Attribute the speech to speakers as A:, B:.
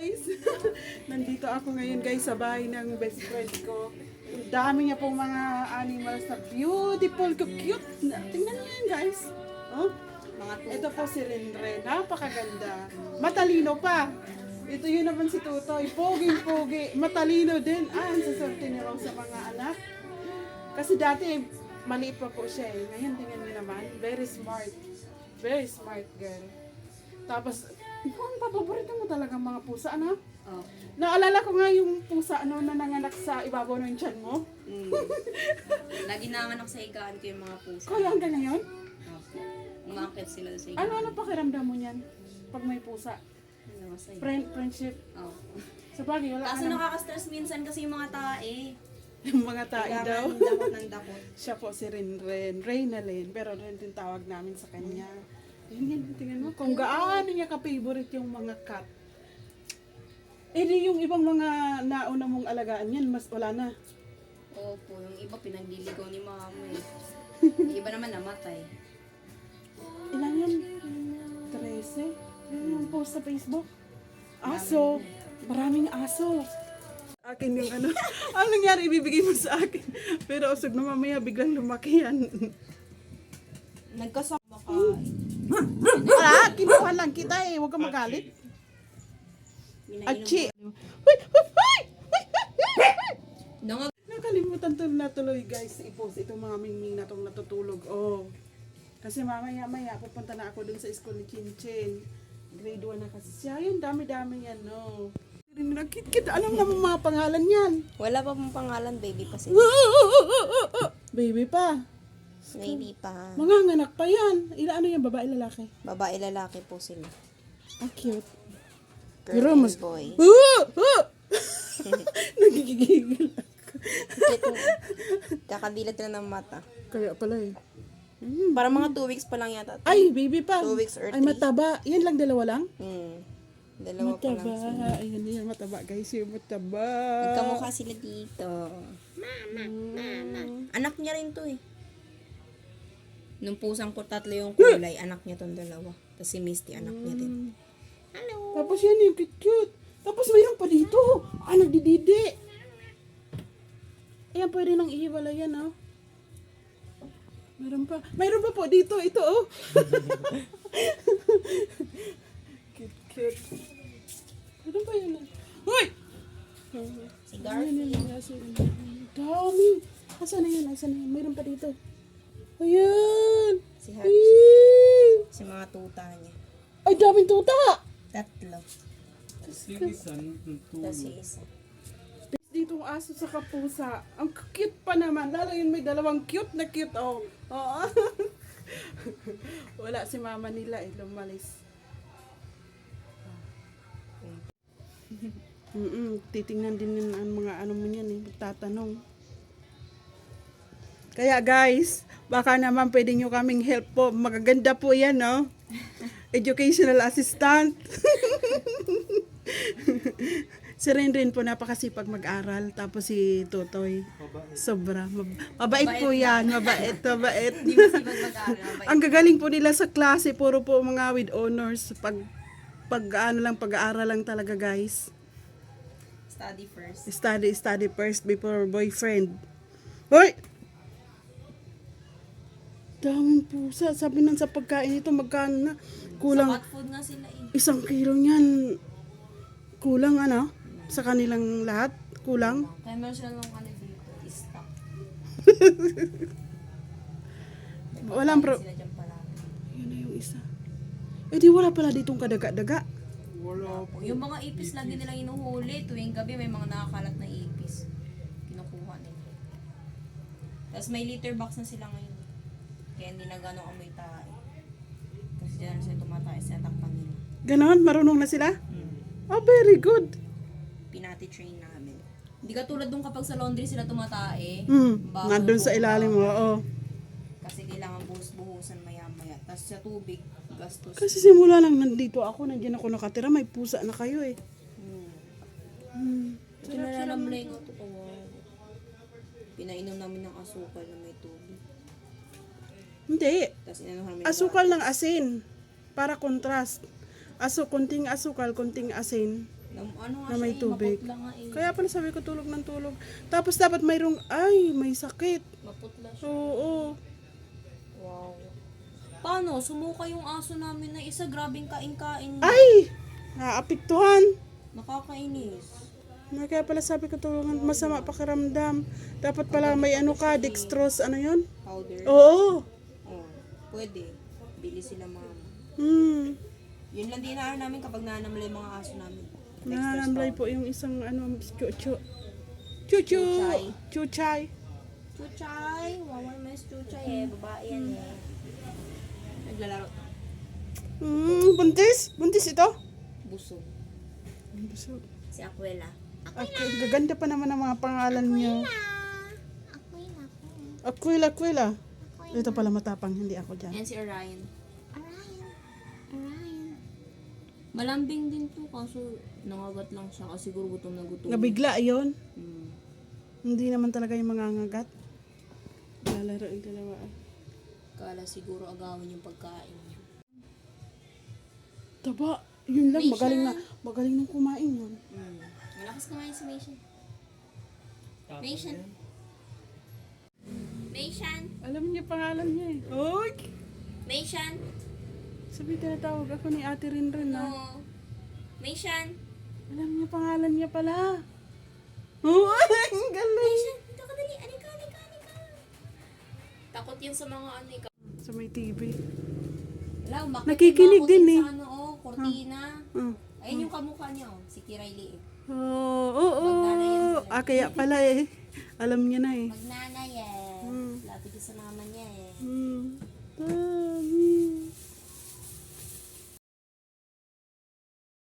A: Guys, nandito ako ngayon guys sa bahay ng best friend ko. Ang dami niya pong mga animals na beautiful, cute. Tingnan niyo yan guys. Oh, ito po si Renren. Napakaganda. Matalino pa. Ito yun naman si Tutoy. Pogi-pogi. Matalino din. Ang sasarte niya raw sa mga anak. Kasi dati maliit pa po siya eh. Ngayon tingnan niyo naman. Very smart. Very smart girl. Tapos, ang paborito mo talaga mga pusa, ano?
B: Oh.
A: Naalala ko nga yung pusa ano, na nanganak sa ibabaw ng tiyan mo.
B: Lagi nanganak sa higaan ko yung mga pusa.
A: Kaya hanggang ngayon?
B: Opo. Umakit sila sa higaan.
A: Ano pakiramdam mo niyan? Pag may pusa?
B: Ano masaya?
A: Friendship?
B: Oh.
A: Sa bagay, wala
B: Kaso
A: ka na.
B: nakaka-stress minsan kasi yung mga tae.
A: Yung mga tae daw.
B: Kailangan dakot ng dakot.
A: Siya po si Renren. Reynalyn. Pero rin din tawag namin sa kanya. Yan, tingnan mo. Kung gaano niya ka-favorite yung mga cat. Eh di yung ibang mga nauna mong alagaan yan, mas wala na.
B: Opo, yung iba pinagliligaw ni mama eh. Yung iba naman namatay.
A: Ilan yan? 13? Yan yung post sa Facebook. Aso. Maraming aso. Akin yung ano. Ano nangyari ibibigay mo sa akin? Pero usog na mamaya biglang lumaki yan.
B: Nagkasama ka.
A: Kinuha lang kita eh. Huwag kang magalit. Achi. Nakalimutan to na tuloy guys. I-post itong mga mingming na tong natutulog. Oh. Kasi mamaya pupunta na ako dun sa school ni Chinchin. Grade 1 na kasi siya. Yun, dami-dami yan, no. Nakit-kit. Alam na mo mga pangalan yan.
B: Wala pa pong pangalan, baby pa sila.
A: Baby pa.
B: Baby pa.
A: Mga nganak pa yan. Ano yan, babae, lalaki?
B: Babae lalaki po sila.
A: Ah, cute.
B: Girl
A: Pero
B: and
A: mas-
B: boy.
A: Nagigigil ako.
B: Kakabilat na ng mata.
A: Kaya pala eh.
B: Para mga 2 weeks pa lang yata.
A: Ay, baby pa.
B: 2 weeks or
A: Ay,
B: 3.
A: mataba. Yan lang, dalawa lang?
B: Dalawa pa
A: Mataba.
B: lang sila.
A: Ayun yan, mataba guys. Yung mataba.
B: Nagkamukha sila dito. Mama. Anak niya rin to eh. Nung pusang ko 3 yung kulay, anak niya tong dalawa. Tapos si Misty, anak niya din. Hello.
A: Tapos yan yung cute. Tapos mayroon pa dito. Ah, nagdididi. Ayan, pwede nang ihiwala yan, oh. Mayroon pa. Mayroon pa po dito. Ito, oh. Cute. Mayroon pa yan, oh. Hoy!
B: Si Garfield.
A: Dami. Asan na yan? Mayroon pa dito. Ayan.
B: Si Hershey.
A: Yee!
B: Si mga tuta niya.
A: Ay, daming tuta.
B: 3. Tapos si isa.
A: Ditong aso sa kapusa. Ang cute pa naman. Lalo yun may dalawang cute na cute. Oh. Oo. Wala si mama nila eh. Lumalis. Titingnan din yun ang mga ano mo yan eh. Tatanong. Kaya guys, baka naman pwede nyo kaming help po. Magaganda po yan, no? Educational assistant. Si Renren po napakasipag mag-aral. Tapos si Tutoy, sobra. Mabait po yan. Mabait.
B: Hindi mo sibag mag-aaral.
A: Ang gagaling po nila sa klase. Puro po mga with honors. Pag-aaral lang talaga guys.
B: Study first.
A: Study first before boyfriend. Hoy! Daming pusa. Sabi nang sa pagkain ito, magkano na? Kulang.
B: Sa cat food nga sila eh.
A: 1 kilo niyan. Kulang ano? Sa kanilang lahat? Kulang?
B: Kaya meron sila nung ano dito, stock.
A: Walang
B: Sila dyan palagi.
A: Yun na yung isa. Eh di wala pala ditong kadaga-daga.
B: Wala po. Yung mga ipis lagi nilang inuhuli. Tuwing gabi may mga nakakalat na ipis. Kinukuha nila. Tapos may litter box na sila ngayon. Kaya hindi na gano'ng amoy tayo. Kasi dyan na sila tumatay sa takpan nila.
A: Ganon? Marunong na sila? Oh, very good.
B: Pinati-train namin. Hindi ka tulad dun kapag sa laundry sila tumatae. Bago
A: Nandun sa
B: buka.
A: ilalim mo, oo.
B: Kasi kailangan buhos-buhusan maya-maya. Tapos sa tubig, gastos.
A: Kasi simula lang nandito ako, nandiyan ako nakatira, may pusa na kayo eh.
B: Ito nalalamlay ko ito. Pinainom namin ng asukal na may tubig.
A: Hindi.
B: Tapos inanuhan namin.
A: Asukal ng asin. Para contrast. Konting asukal, konting asin.
B: Ano nga
A: Na may
B: siya,
A: tubig.
B: maputla nga eh.
A: Kaya pala sabi ko tulog ng tulog. Tapos dapat mayroong, ay, may sakit.
B: Maputla siya.
A: Oo.
B: Wow. Paano? Sumuka yung aso namin na isa. Grabing kain-kain.
A: Ay! Naapektuhan.
B: Nakakainis.
A: Kaya pala sabi ko tulungan, masama pakiramdam. Dapat pala may ano ka, dextrose, ano yun?
B: Powder.
A: Oo.
B: Oh, pwede. Bili sila mama.
A: Hmm.
B: Yun lang din inaano namin kapag nanamlay mga aso namin.
A: Nananamlay po yung isang ano, chuchu. Chuchu!
B: Chuchay.
A: Chuchay.
B: Chuchay! Wawan mo yung chuchay eh. Babae yan eh. Naglalaro.
A: Buntis? Buntis ito?
B: Busog.
A: Busog.
B: Si Aquela.
A: Okay, gaganda pa naman ang mga pangalan niya. Aquila, Aquila. Ito pala matapang, hindi ako dyan.
B: Yan si Orion. Malambing din to kaso nangagat lang siya kasi siguro gutom na gutom.
A: Nabigla yun.
B: Hmm.
A: Hindi naman talaga yung mga ngagat. Lalaro yung dalawa.
B: Kala siguro agawin yung pagkain niya.
A: Taba, yun lang,
B: Maisha.
A: magaling nang kumain yun.
B: Malakas kumain si Maishan. Maishan. Maishan.
A: Alam niya pangalan niya eh. Oy!
B: Maishan.
A: Sabi tinatawag ako ni Ate Rinrin na.
B: No. Maishan.
A: Alam niya pangalan niya pala. Oh, ang galing!
B: Maishan, dito ka dali. Anika. Takot yan sa mga ano ikaw.
A: Sa may TV.
B: Wala, umakit
A: Nakikinig
B: yung mga
A: din
B: kutin
A: eh.
B: Sa ano, kortina. Ayun yung kamukha niya, si Kirayli eh.
A: Oo.
B: Magnanay yan sila.
A: Kaya pala eh. Alam niya na eh.
B: Magnanay eh. Lapit sa mama niya eh.
A: Dami.